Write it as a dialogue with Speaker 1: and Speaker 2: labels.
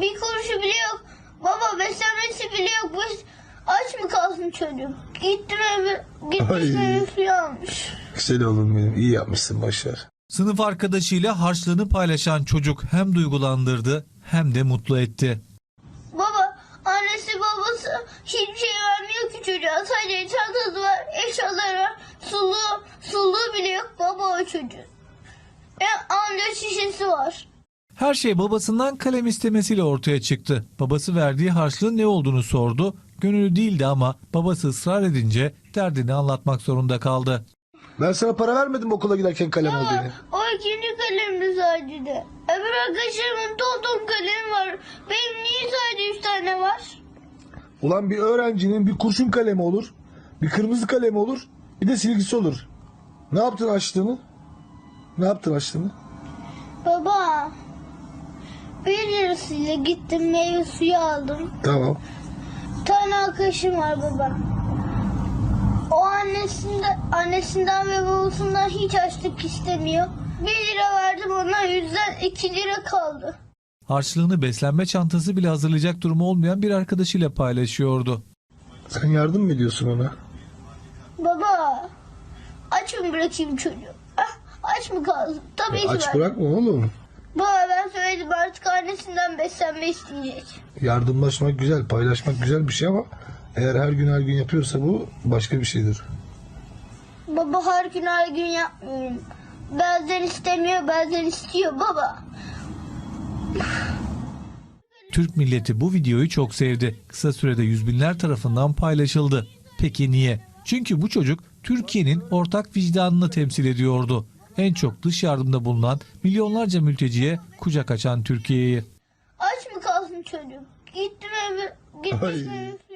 Speaker 1: Bir kuruşu bile yok. Baba beslenmesi bile yok. Aç mı kalsın çocuk? Gittim eve, gitmiş meyve suyu almış.
Speaker 2: Güzel oğlum benim, iyi yapmışsın, başar.
Speaker 3: Sınıf arkadaşıyla harçlığını paylaşan çocuk hem duygulandırdı hem de mutlu etti.
Speaker 1: Baba, annesi babası hiçbir şey vermiyor ki çocuğa. Sadece çantası var, eşyaları var, suluğu bile yok baba o çocuğun. A4 şişesi var.
Speaker 3: Her şey babasından kalem istemesiyle ortaya çıktı. Babası verdiği harçlığın ne olduğunu sordu. Gönüllü değildi ama babası ısrar edince derdini anlatmak zorunda kaldı.
Speaker 2: Ben sana para vermedim okula giderken kalem al diye.
Speaker 1: O ikinci kalemdi sadece. Öbür arkadaşlarımın ton kalemi var. Benim niye sadece 3 tane var?
Speaker 2: Ulan bir öğrencinin bir kurşun kalemi olur, bir kırmızı kalemi olur, bir de silgisi olur. Ne yaptın açtığını? Ne yaptın açtığını?
Speaker 1: Baba, 1 lirasıyla gittim meyve suyu aldım.
Speaker 2: Tamam.
Speaker 1: Bir tane arkadaşım var baba. O annesinden ve babasından hiç açlık istemiyor. 1 lira verdim ona, yüzden 2 lira kaldı.
Speaker 3: Harçlığını beslenme çantası bile hazırlayacak durumu olmayan bir arkadaşıyla paylaşıyordu.
Speaker 2: Sen yardım mı ediyorsun ona?
Speaker 1: Baba, aç mı bırakayım çocuğu? Aç mı kalsın? Tabii ki
Speaker 2: Aç
Speaker 1: ben.
Speaker 2: bırakma oğlum.
Speaker 1: Baba ben söyledim, artık annesinden beslenme isteyecek.
Speaker 2: Yardımlaşmak güzel, paylaşmak güzel bir şey ama eğer her gün yapıyorsa bu başka bir şeydir.
Speaker 1: Baba her gün yapmıyorum. Bazen istemiyor, bazen istiyor baba.
Speaker 3: Türk milleti bu videoyu çok sevdi. Kısa sürede yüz binler tarafından paylaşıldı. Peki niye? Çünkü bu çocuk Türkiye'nin ortak vicdanını temsil ediyordu. En çok dış yardımda bulunan milyonlarca mülteciye kucak açan Türkiye'yi.
Speaker 1: Aç mı kalsın çocuk? Gittim eve, gitmiş
Speaker 2: Ay.
Speaker 1: meyve